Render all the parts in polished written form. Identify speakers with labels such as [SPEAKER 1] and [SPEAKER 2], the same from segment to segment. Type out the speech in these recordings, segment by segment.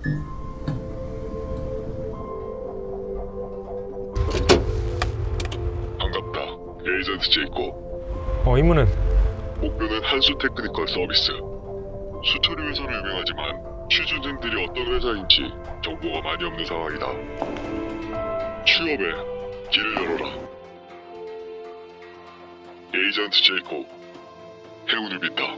[SPEAKER 1] 반갑다. 에이전트 제이콥.
[SPEAKER 2] 임무는?
[SPEAKER 1] 목표는 한수 테크니컬 서비스. 수처리 회사로 유명하지만 취준생들이 어떤 회사인지 정보가 많이 없는 상황이다. 취업에 길을 열어라. 에이전트 제이콥. 행운을 빈다.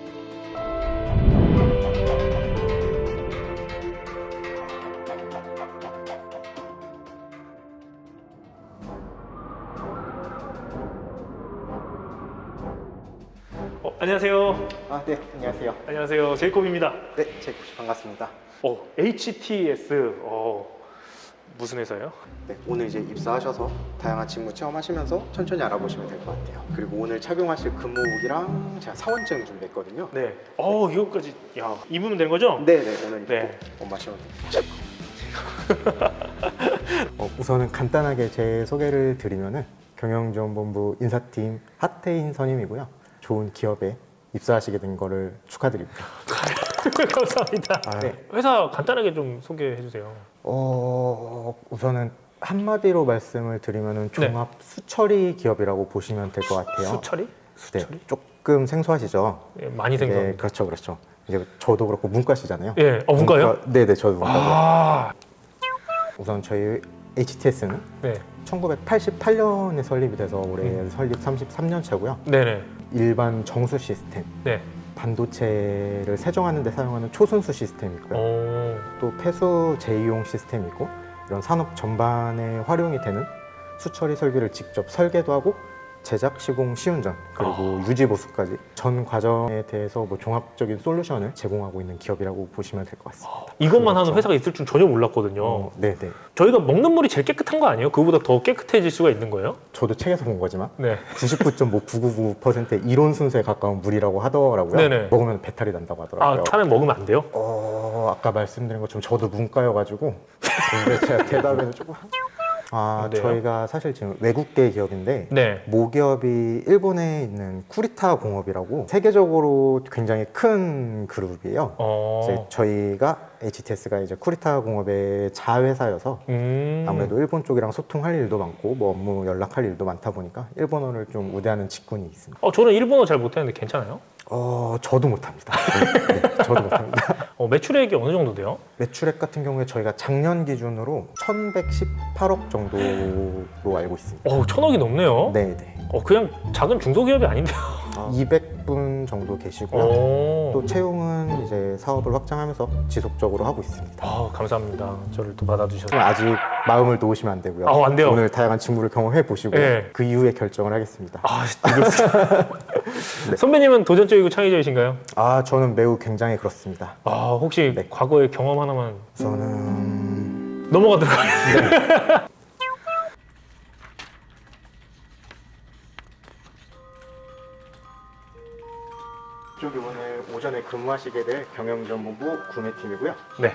[SPEAKER 2] 안녕하세요.
[SPEAKER 3] 네, 안녕하세요.
[SPEAKER 2] 안녕하세요. 제이콥입니다.
[SPEAKER 3] 네, 제이콥 씨 반갑습니다.
[SPEAKER 2] HTS. 무슨 회사예요?
[SPEAKER 3] 네, 오늘 이제 입사하셔서 다양한 직무 체험하시면서 천천히 알아보시면 될 것 같아요. 그리고 오늘 착용하실 근무복이랑 제가 사원증 준비했거든요.
[SPEAKER 2] 네. 이거까지. 야, 입으면 되는 거죠?
[SPEAKER 3] 네, 오늘 입고
[SPEAKER 2] 네.
[SPEAKER 3] 옷 마시면 됩니다. 우선은 간단하게 제 소개를 드리면은 경영지원본부 인사팀 하태인 선임이고요. 좋은 기업에 입사하시게 된 거를 축하드립니다.
[SPEAKER 2] 감사합니다.
[SPEAKER 3] 네.
[SPEAKER 2] 회사 간단하게 좀 소개해 주세요.
[SPEAKER 3] 우선은 한마디로 말씀을 드리면은 종합 수처리 기업이라고 보시면 될 것 같아요.
[SPEAKER 2] 수처리?
[SPEAKER 3] 네, 조금 생소하시죠?
[SPEAKER 2] 네, 많이 생소합니다.
[SPEAKER 3] 그렇죠. 이제 저도 그렇고 문과시잖아요.
[SPEAKER 2] 예, 문과요?
[SPEAKER 3] 네네, 저도 문과고요.
[SPEAKER 2] 아,
[SPEAKER 3] 우선 저희 HTS는
[SPEAKER 2] 네.
[SPEAKER 3] 1988년에 설립이 돼서 올해 설립 33년 차고요.
[SPEAKER 2] 네네.
[SPEAKER 3] 일반 정수 시스템,
[SPEAKER 2] 네.
[SPEAKER 3] 반도체를 세정하는 데 사용하는 초순수 시스템이 있고요. 또 폐수 재이용 시스템이 있고, 이런 산업 전반에 활용이 되는 수처리 설비를 직접 설계도 하고 제작, 시공, 시운전, 그리고 유지 보수까지 전 과정에 대해서 뭐 종합적인 솔루션을 제공하고 있는 기업이라고 보시면 될 것 같습니다.
[SPEAKER 2] 이것만 하는 회사가 있을 줄 전혀 몰랐거든요.
[SPEAKER 3] 네네.
[SPEAKER 2] 저희가 먹는 물이 제일 깨끗한 거 아니에요? 그거보다 더 깨끗해질 수가 있는 거예요?
[SPEAKER 3] 저도 책에서 본 거지만
[SPEAKER 2] 네.
[SPEAKER 3] 99.999%의 이론 순서에 가까운 물이라고 하더라고요.
[SPEAKER 2] 네네.
[SPEAKER 3] 먹으면 배탈이 난다고 하더라고요.
[SPEAKER 2] 처음에 먹으면 안 돼요?
[SPEAKER 3] 아까 말씀드린 것처럼 저도 문과여가지고 근데 제가 대답에서 조금
[SPEAKER 2] 네요?
[SPEAKER 3] 저희가 사실 지금 외국계 기업인데
[SPEAKER 2] 네.
[SPEAKER 3] 모기업이 일본에 있는 쿠리타 공업이라고 세계적으로 굉장히 큰 그룹이에요. 이제 저희가 HTS가 이제 쿠리타 공업의 자회사여서 아무래도 일본 쪽이랑 소통할 일도 많고 뭐 업무 연락할 일도 많다 보니까 일본어를 좀 우대하는 직군이 있습니다.
[SPEAKER 2] 저는 일본어 잘 못하는데 괜찮아요?
[SPEAKER 3] 저도 못합니다. 네, 저도 못합니다.
[SPEAKER 2] 매출액이 어느 정도 돼요?
[SPEAKER 3] 매출액 같은 경우에 저희가 작년 기준으로 1118억 정도로 알고 있습니다.
[SPEAKER 2] 1000억이 넘네요?
[SPEAKER 3] 네.
[SPEAKER 2] 그냥 작은 중소기업이 아닌데요?
[SPEAKER 3] 200분 정도 계시고요. 또 채용은 이제 사업을 확장하면서 지속적으로 하고 있습니다.
[SPEAKER 2] 감사합니다. 저를 또 받아주셔서.
[SPEAKER 3] 아직 마음을 놓으시면 안 되고요.
[SPEAKER 2] 안 돼요.
[SPEAKER 3] 오늘 다양한 직무를 경험해 보시고
[SPEAKER 2] 네.
[SPEAKER 3] 그 이후에 결정을 하겠습니다.
[SPEAKER 2] 네. 선배님은 도전적이고 창의적이신가요?
[SPEAKER 3] 저는 매우 굉장히 그렇습니다.
[SPEAKER 2] 혹시
[SPEAKER 3] 네.
[SPEAKER 2] 과거의 경험 하나만
[SPEAKER 3] 저는
[SPEAKER 2] 넘어가도록 하겠습니다.
[SPEAKER 3] 이쪽이 오늘 오전에 근무하시게 될 경영지원본부 구매팀이고요.
[SPEAKER 2] 네.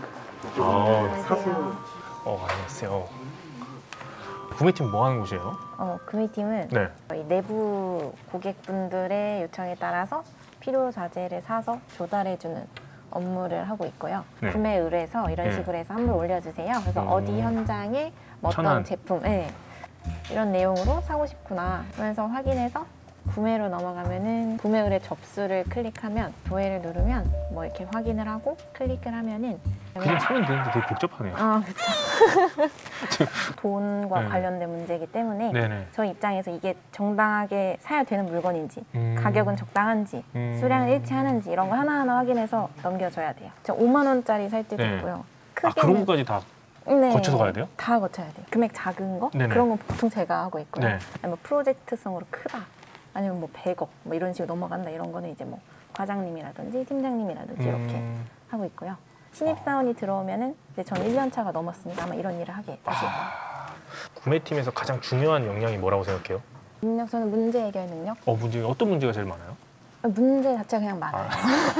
[SPEAKER 3] 사수
[SPEAKER 2] 안녕하세요. 구매팀 뭐 하는 곳이에요?
[SPEAKER 4] 구매팀은
[SPEAKER 2] 네.
[SPEAKER 4] 저희 내부 고객분들의 요청에 따라서 필요 자재를 사서 조달해주는 업무를 하고 있고요.
[SPEAKER 2] 네.
[SPEAKER 4] 구매 의뢰서 이런
[SPEAKER 2] 네.
[SPEAKER 4] 식으로 해서 한물 올려주세요. 그래서 어디 현장에 뭐 어떤
[SPEAKER 2] 천안.
[SPEAKER 4] 제품, 이런 내용으로 사고 싶구나 하면서 확인해서 구매로 넘어가면은 구매 의뢰 접수를 클릭하면 조회를 누르면 뭐 이렇게 확인을 하고 클릭을 하면은
[SPEAKER 2] 그냥 사면 되는데 되게 복잡하네요.
[SPEAKER 4] 그렇죠. 돈과
[SPEAKER 2] 네.
[SPEAKER 4] 관련된 문제이기 때문에
[SPEAKER 2] 네네.
[SPEAKER 4] 저희 입장에서 이게 정당하게 사야 되는 물건인지 가격은 적당한지 수량을
[SPEAKER 2] 음.
[SPEAKER 4] 일치하는지 이런 거 하나하나 확인해서 넘겨줘야 돼요. 저 5만 원짜리 살 때도
[SPEAKER 2] 네.
[SPEAKER 4] 있고요.
[SPEAKER 2] 그런 것까지 다
[SPEAKER 4] 네,
[SPEAKER 2] 거쳐서 가야 돼요?
[SPEAKER 4] 다 거쳐야 돼요. 금액 작은 거
[SPEAKER 2] 네네.
[SPEAKER 4] 그런 건 보통 제가 하고 있고요.
[SPEAKER 2] 네.
[SPEAKER 4] 아니면 뭐 프로젝트성으로 크다 아니면 뭐 100억 뭐 이런 식으로 넘어간다 이런 거는 이제 뭐 과장님이라든지 팀장님이라든지 이렇게 하고 있고요. 신입사원이 들어오면은 이제 저는 1년 차가 넘었으니까 아마 이런 일을 하게 다시.
[SPEAKER 2] 구매팀에서 가장 중요한 역량이 뭐라고 생각해요?
[SPEAKER 4] 능력 저는 문제 해결 능력.
[SPEAKER 2] 어떤 문제가 제일 많아요?
[SPEAKER 4] 문제 자체가 그냥 많아요.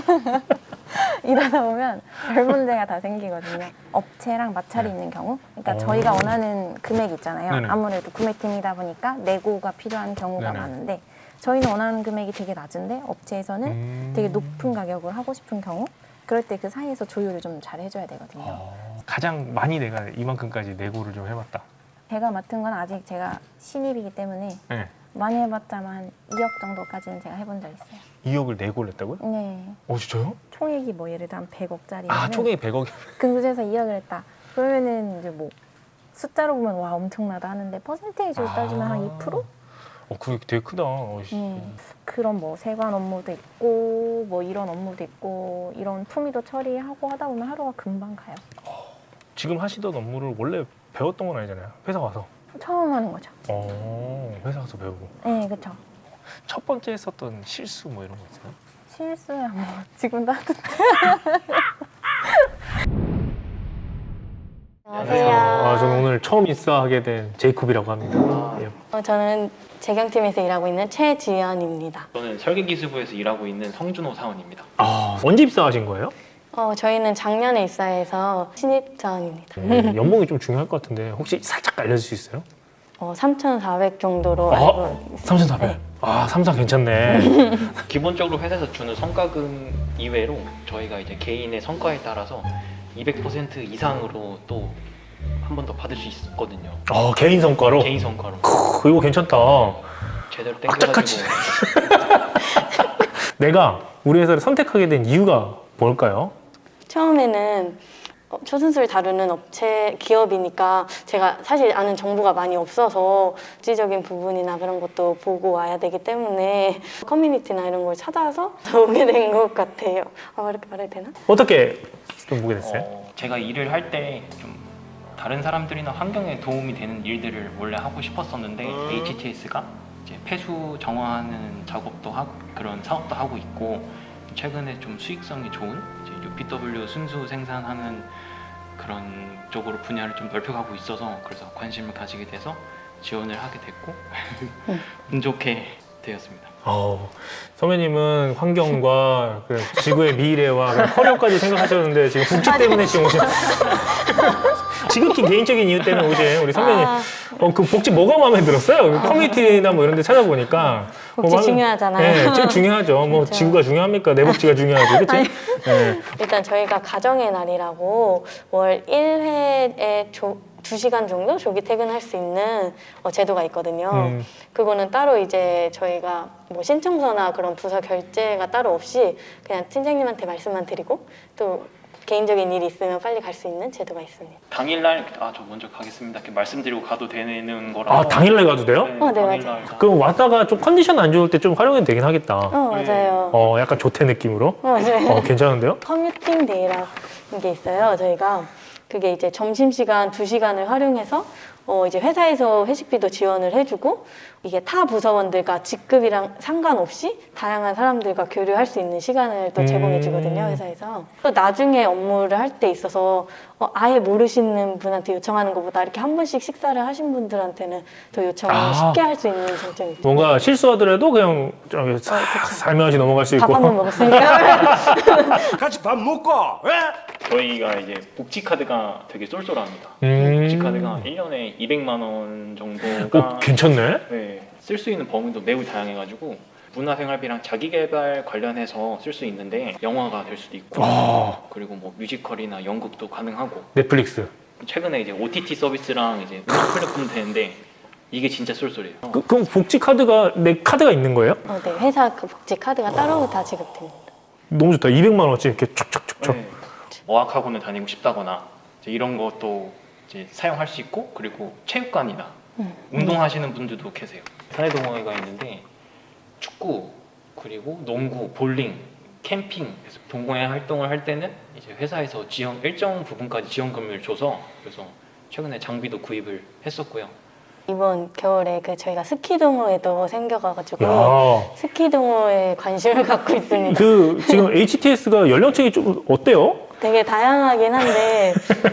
[SPEAKER 4] 일하다 보면 별 문제가 다 생기거든요. 업체랑 마찰이 있는 경우. 그러니까 저희가 원하는 금액이 있잖아요.
[SPEAKER 2] 네네.
[SPEAKER 4] 아무래도 구매팀이다 보니까 내고가 필요한 경우가
[SPEAKER 2] 네네.
[SPEAKER 4] 많은데 저희는 원하는 금액이 되게 낮은데 업체에서는 되게 높은 가격을 하고 싶은 경우 그럴 때 그 사이에서 조율을 좀 잘 해줘야 되거든요.
[SPEAKER 2] 가장 많이 내가 이만큼까지 내고를 좀 해봤다.
[SPEAKER 4] 제가 맡은 건 아직 제가 신입이기 때문에
[SPEAKER 2] 네.
[SPEAKER 4] 많이 해봤자만 한 2억 정도까지는 제가 해본 적 있어요.
[SPEAKER 2] 2억을 내고를 했다고요?
[SPEAKER 4] 네.
[SPEAKER 2] 진짜요?
[SPEAKER 4] 총액이 뭐 예를 들어 한 100억짜리면
[SPEAKER 2] 아, 총액이 100억.
[SPEAKER 4] 근무제에서 2억을 했다. 그러면은 이제 뭐 숫자로 보면 와 엄청나다 하는데 퍼센테이지로 따지면 한 2%?
[SPEAKER 2] 그게 되게 크다.
[SPEAKER 4] 그런 뭐 세관 업무도 있고 뭐 이런 업무도 있고 이런 품위도 처리하고 하다 보면 하루가 금방 가요.
[SPEAKER 2] 지금 하시던 업무를 원래 배웠던 건 아니잖아요. 회사 와서.
[SPEAKER 4] 처음 하는 거죠.
[SPEAKER 2] 회사 가서 배우고.
[SPEAKER 4] 네, 그렇죠.
[SPEAKER 2] 첫 번째 했었던 실수 뭐 이런 거 있어요?
[SPEAKER 4] 실수야 뭐 지금도 하던데.
[SPEAKER 2] 안녕하세요. 저는 오늘 처음 인사하게 된 제이콥이라고 합니다. 예.
[SPEAKER 5] 저는 재경팀에서 일하고 있는 최지연입니다.
[SPEAKER 6] 저는 설계기술부에서 일하고 있는 성준호 사원입니다.
[SPEAKER 2] 언제 입사하신 거예요?
[SPEAKER 5] 저희는 작년에 입사해서 신입사원입니다.
[SPEAKER 2] 연봉이 좀 중요할 것 같은데 혹시 살짝 알려줄 수 있어요?
[SPEAKER 5] 3,400 정도로 알고 있습니다.
[SPEAKER 2] 3,400.
[SPEAKER 5] 네.
[SPEAKER 2] 3,400 괜찮네.
[SPEAKER 6] 기본적으로 회사에서 주는 성과금 이외로 저희가 이제 개인의 성과에 따라서 200% 이상으로 또 한 번 더 받을 수 있거든요.
[SPEAKER 2] 개인 성과로?
[SPEAKER 6] 개인 성과로.
[SPEAKER 2] 이거 괜찮다.
[SPEAKER 6] 제대로
[SPEAKER 2] 악착같이.
[SPEAKER 6] 땡겨가지고.
[SPEAKER 2] 내가 우리 회사를 선택하게 된 이유가 뭘까요?
[SPEAKER 5] 처음에는 초순수를 다루는 업체 기업이니까 제가 사실 아는 정보가 많이 없어서 지적인 부분이나 그런 것도 보고 와야 되기 때문에 커뮤니티나 이런 걸 찾아서 오게 된 것 같아요. 이렇게 말해도 되나?
[SPEAKER 2] 어떻게 좀 보게 됐어요?
[SPEAKER 6] 제가 일을 할 때 좀 다른 사람들이나 환경에 도움이 되는 일들을 원래 하고 싶었었는데 HTS가 이제 폐수 정화하는 작업도 하고 그런 사업도 하고 있고 최근에 좀 수익성이 좋은 이제 UPW 순수 생산하는 그런 쪽으로 분야를 좀 넓혀가고 있어서 그래서 관심을 가지게 돼서 지원을 하게 됐고 운 좋게 되었습니다.
[SPEAKER 2] 선배님은 환경과 그 지구의 미래와 그 커리어까지 생각하셨는데 지금 복지 때문에 지금 오신 지극히 개인적인 이유 때문에 오신 우리 선배님 그 복지 뭐가 마음에 들었어요? 그 커뮤니티나 뭐 이런 데 찾아보니까
[SPEAKER 5] 복지 중요하잖아요.
[SPEAKER 2] 네, 제일 중요하죠. 뭐
[SPEAKER 5] 그렇죠.
[SPEAKER 2] 지구가 중요합니까? 내 복지가 중요하지, 그렇지? 네.
[SPEAKER 5] 일단 저희가 가정의 날이라고 월 1회에 2시간 정도 조기 퇴근할 수 있는 제도가 있거든요. 그거는 따로 이제 저희가 뭐 신청서나 그런 부서 결제가 따로 없이 그냥 팀장님한테 말씀만 드리고 또 개인적인 일이 있으면 빨리 갈 수 있는 제도가 있습니다.
[SPEAKER 6] 당일날 저 먼저 가겠습니다 이렇게 말씀드리고 가도 되는 거라.
[SPEAKER 2] 당일날 가도 돼요?
[SPEAKER 5] 네,
[SPEAKER 6] 당일날
[SPEAKER 5] 맞아요.
[SPEAKER 2] 그럼 왔다가 좀 컨디션 안 좋을 때 좀 활용이 되긴 하겠다.
[SPEAKER 5] 맞아요.
[SPEAKER 2] 약간 조퇴 느낌으로?
[SPEAKER 5] 맞아요.
[SPEAKER 2] 괜찮은데요?
[SPEAKER 5] 커뮤팅 데이라는 게 있어요. 저희가 그게 이제 점심시간 2시간을 활용해서 이제 회사에서 회식비도 지원을 해주고 이게 타 부서원들과 직급이랑 상관없이 다양한 사람들과 교류할 수 있는 시간을 또 제공해 주거든요, 회사에서. 또 나중에 업무를 할 때 있어서 아예 모르시는 분한테 요청하는 것보다 이렇게 한 번씩 식사를 하신 분들한테는 더 요청을 쉽게 할 수 있는 장점이 있죠.
[SPEAKER 2] 뭔가 실수하더라도 그냥 좀 살며시 넘어갈 수 있고.
[SPEAKER 5] 밥 한 번 먹었으니까.
[SPEAKER 7] 같이 밥 먹고
[SPEAKER 6] 저희가 이제 복지 카드가 되게 쏠쏠합니다. 복지 카드가 1년에 200만 원 정도가
[SPEAKER 2] 괜찮네?
[SPEAKER 6] 쓸 수 있는 범위도 매우 다양해가지고 문화생활비랑 자기개발 관련해서 쓸 수 있는데 영화가 될 수도 있고 그리고 뭐 뮤지컬이나 연극도 가능하고
[SPEAKER 2] 넷플릭스.
[SPEAKER 6] 최근에 이제 OTT 서비스랑 이제 음악 플랫폼 되는데 이게 진짜 쏠쏠해요.
[SPEAKER 2] 그럼 복지 카드가 내 카드가 있는 거예요?
[SPEAKER 5] 네, 회사 그 복지 카드가 따로 다 지급됩니다.
[SPEAKER 2] 너무 좋다. 200만 원어치 이렇게 촉촉촉촉.
[SPEAKER 6] 네. 어학학원을 다니고 싶다거나 이제 이런 것도 이제 사용할 수 있고 그리고 체육관이나 운동하시는 분들도 계세요. 사내 동호회가 있는데 축구 그리고 농구, 볼링, 캠핑 그래서 동호회 활동을 할 때는 이제 회사에서 일정 부분까지 지원금을 줘서 그래서 최근에 장비도 구입을 했었고요.
[SPEAKER 5] 이번 겨울에 저희가 스키 동호회도 생겨가지고
[SPEAKER 2] 야.
[SPEAKER 5] 스키 동호회에 관심을 갖고 있습니다.
[SPEAKER 2] 지금 HTS가 연령층이 좀 어때요?
[SPEAKER 5] 되게 다양하긴 한데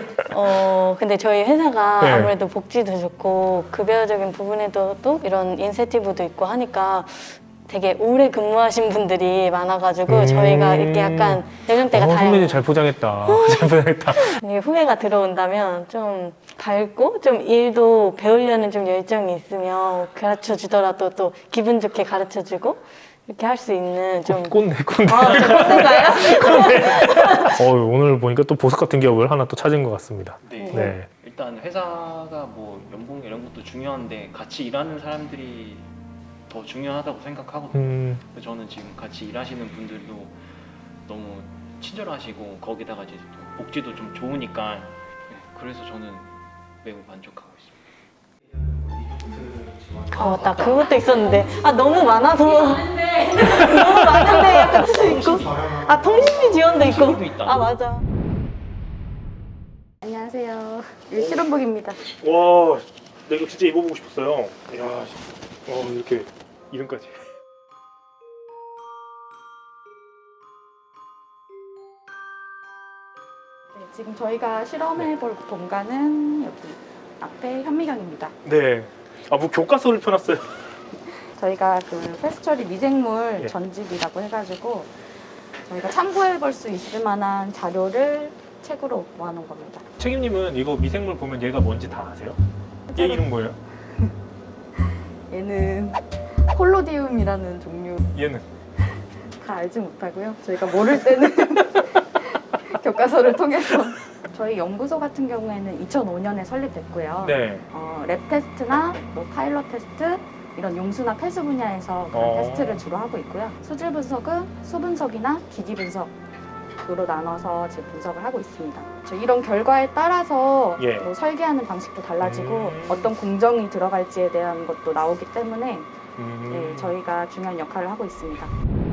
[SPEAKER 5] 근데 저희 회사가
[SPEAKER 2] 네.
[SPEAKER 5] 아무래도 복지도 좋고 급여적인 부분에도 또 이런 인센티브도 있고 하니까 되게 오래 근무하신 분들이 많아가지고 저희가 이렇게 약간 연령대가
[SPEAKER 2] 선배님
[SPEAKER 5] 다양해요.
[SPEAKER 2] 잘 포장했다. 잘 포장했다.
[SPEAKER 5] 만약에 후배가 들어온다면 좀 밝고 좀 일도 배우려는 좀 열정이 있으면 가르쳐 주더라도 또 기분 좋게 가르쳐 주고 이렇게 할 수 있는 좀
[SPEAKER 2] 꼰대.
[SPEAKER 5] 아, 저 꼰대인가요?
[SPEAKER 2] 오늘 보니까 또 보석 같은 기업을 하나 또 찾은 것 같습니다.
[SPEAKER 6] 네.
[SPEAKER 2] 네.
[SPEAKER 6] 일단 회사가 뭐 연봉 이런 것도 중요한데 같이 일하는 사람들이 더 중요하다고 생각하거든요. 그래서 저는 지금 같이 일하시는 분들도 너무 친절하시고 거기다가 이제 또 복지도 좀 좋으니까 네, 그래서 저는 매우 만족하고 있습니다.
[SPEAKER 5] 나 그것도 있었는데 너무 많아서 너무 많은데 약간 수도 있고 통신비 지원도 있고
[SPEAKER 6] 통신비도 있다.
[SPEAKER 5] 맞아. 안녕하세요. 실험복입니다.
[SPEAKER 2] 와, 나 이거 진짜 입어보고 싶었어요. 이야, 이렇게 이름까지.
[SPEAKER 7] 네, 지금 저희가 실험해볼 공간은 여기 앞에 현미경입니다.
[SPEAKER 2] 네. 뭐 교과서를 펴놨어요.
[SPEAKER 7] 저희가 그 폐수 처리 미생물
[SPEAKER 2] 예.
[SPEAKER 7] 전집이라고 해가지고 저희가 참고해볼 수 있을 만한 자료를 책으로 모아놓은 겁니다.
[SPEAKER 2] 책임님은 이거 미생물 보면 얘가 뭔지 다 아세요? 얘 이름 뭐예요?
[SPEAKER 7] 얘는 콜로디움이라는 종류
[SPEAKER 2] 얘는?
[SPEAKER 7] 다 알지 못하고요. 저희가 모를 때는 교과서를 통해서 저희 연구소 같은 경우에는 2005년에 설립됐고요.
[SPEAKER 2] 네.
[SPEAKER 7] 랩 테스트나 뭐 파일럿 테스트 이런 용수나 폐수 분야에서 그런 테스트를 주로 하고 있고요. 수질 분석은 수 분석이나 기기 분석으로 나눠서 지금 분석을 하고 있습니다. 이런 결과에 따라서
[SPEAKER 2] 예.
[SPEAKER 7] 뭐 설계하는 방식도 달라지고 어떤 공정이 들어갈지에 대한 것도 나오기 때문에 네, 저희가 중요한 역할을 하고 있습니다.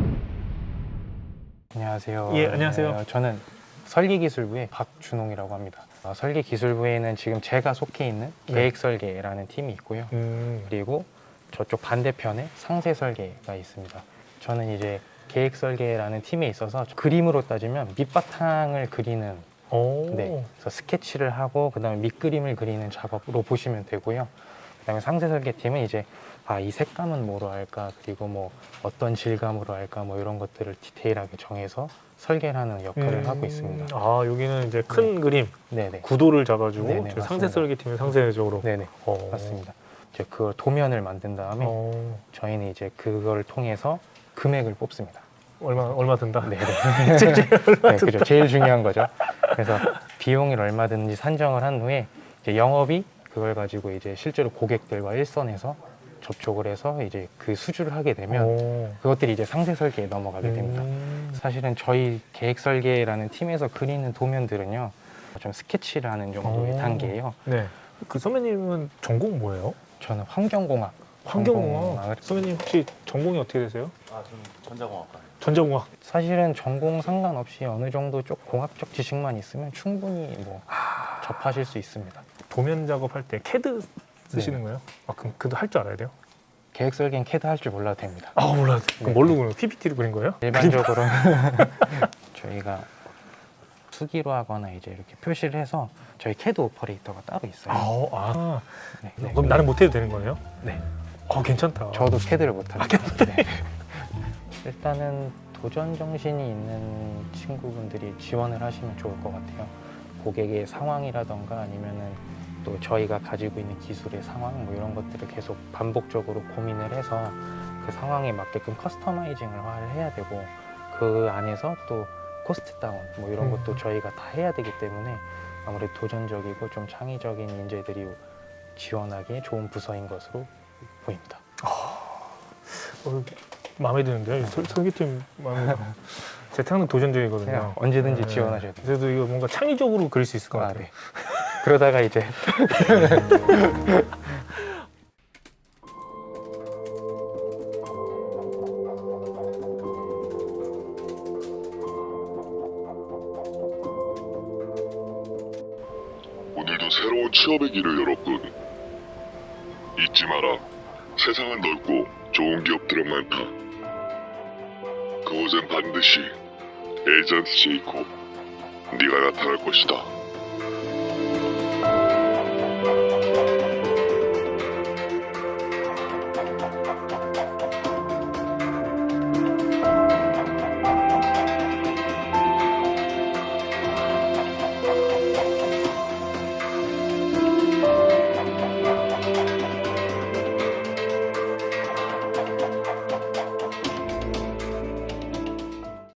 [SPEAKER 8] 안녕하세요.
[SPEAKER 2] 예, 안녕하세요.
[SPEAKER 8] 저는 설계기술부의 박준홍이라고 합니다. 설계기술부에는 지금 제가 속해 있는
[SPEAKER 2] 네.
[SPEAKER 8] 계획설계라는 팀이 있고요. 그리고 저쪽 반대편에 상세설계가 있습니다. 저는 이제 계획설계라는 팀에 있어서 그림으로 따지면 밑바탕을 그리는 네, 그래서 스케치를 하고 그다음에 밑그림을 그리는 작업으로 보시면 되고요. 그다음에 상세설계팀은 이제 이 색감은 뭐로 할까, 그리고 뭐 어떤 질감으로 할까, 뭐 이런 것들을 디테일하게 정해서 설계를 하는 역할을 하고 있습니다.
[SPEAKER 2] 여기는 이제 큰 그림,
[SPEAKER 8] 네네.
[SPEAKER 2] 구도를 잡아주고
[SPEAKER 8] 네네,
[SPEAKER 2] 저희
[SPEAKER 8] 맞습니다.
[SPEAKER 2] 상세 설계팀은 상세적으로.
[SPEAKER 8] 네네. 맞습니다. 이제 그걸 도면을 만든 다음에 저희는 이제 그걸 통해서 금액을 뽑습니다.
[SPEAKER 2] 얼마 든다?
[SPEAKER 8] 네네. 네, 그죠. 제일 중요한 거죠. 그래서 비용을 얼마 드는지 산정을 한 후에 이제 영업이 그걸 가지고 이제 실제로 고객들과 일선에서 접촉을 해서 이제 그 수주를 하게 되면 그것들이 이제 상세 설계에 넘어가게 됩니다. 사실은 저희 계획 설계라는 팀에서 그리는 도면들은요, 좀 스케치를 하는 정도의 단계예요.
[SPEAKER 2] 네. 그 선배님은 전공 뭐예요?
[SPEAKER 8] 저는 환경공학.
[SPEAKER 2] 환경공학. 선배님 혹시 전공이 어떻게 되세요?
[SPEAKER 9] 저는 전자공학과.
[SPEAKER 2] 전자공학.
[SPEAKER 8] 사실은 전공 상관없이 어느 정도 좀 공학적 지식만 있으면 충분히 뭐 접하실 수 있습니다.
[SPEAKER 2] 도면 작업할 때 캐드 쓰시는 거예요? 그럼 그도 할 줄 알아야 돼요?
[SPEAKER 8] 계획 설계는 캐드 할 줄 몰라도 됩니다.
[SPEAKER 2] 몰라요. 그럼
[SPEAKER 8] 네.
[SPEAKER 2] 뭘로 그려요? PPT로 그린 거예요?
[SPEAKER 8] 일반적으로 저희가 수기로 하거나 이제 이렇게 표시를 해서 저희 캐드 오퍼레이터가 따로 있어요.
[SPEAKER 2] 네.
[SPEAKER 8] 네.
[SPEAKER 2] 그럼 나는 못해도 되는 거예요?
[SPEAKER 8] 네.
[SPEAKER 2] 괜찮다.
[SPEAKER 8] 저도 캐드를 못합니다. 네. 일단은 도전 정신이 있는 친구분들이 지원을 하시면 좋을 것 같아요. 고객의 상황이라던가 아니면은 또 저희가 가지고 있는 기술의 상황 뭐 이런 것들을 계속 반복적으로 고민을 해서 그 상황에 맞게끔 커스터마이징을 해야 되고 그 안에서 또 코스트 다운 뭐 이런 것도 저희가 다 해야 되기 때문에 아무래도 도전적이고 좀 창의적인 인재들이 지원하기에 좋은 부서인 것으로 보입니다.
[SPEAKER 2] 마음에 드는데요? 설계팀 마음에 들어요. 제 태양은 도전적이거든요.
[SPEAKER 8] 그냥 언제든지 지원하셔도 돼요.
[SPEAKER 2] 그래도 이거 뭔가 창의적으로 그릴 수 있을 것 같아요.
[SPEAKER 8] 네. 그러다가 이제
[SPEAKER 1] 오늘도 새로운 취업의 길을 열었군. 잊지 마라. 세상은 넓고 좋은 기업들은 많다. 그곳엔 반드시 에이전트 제이콥 네가 나타날 것이다.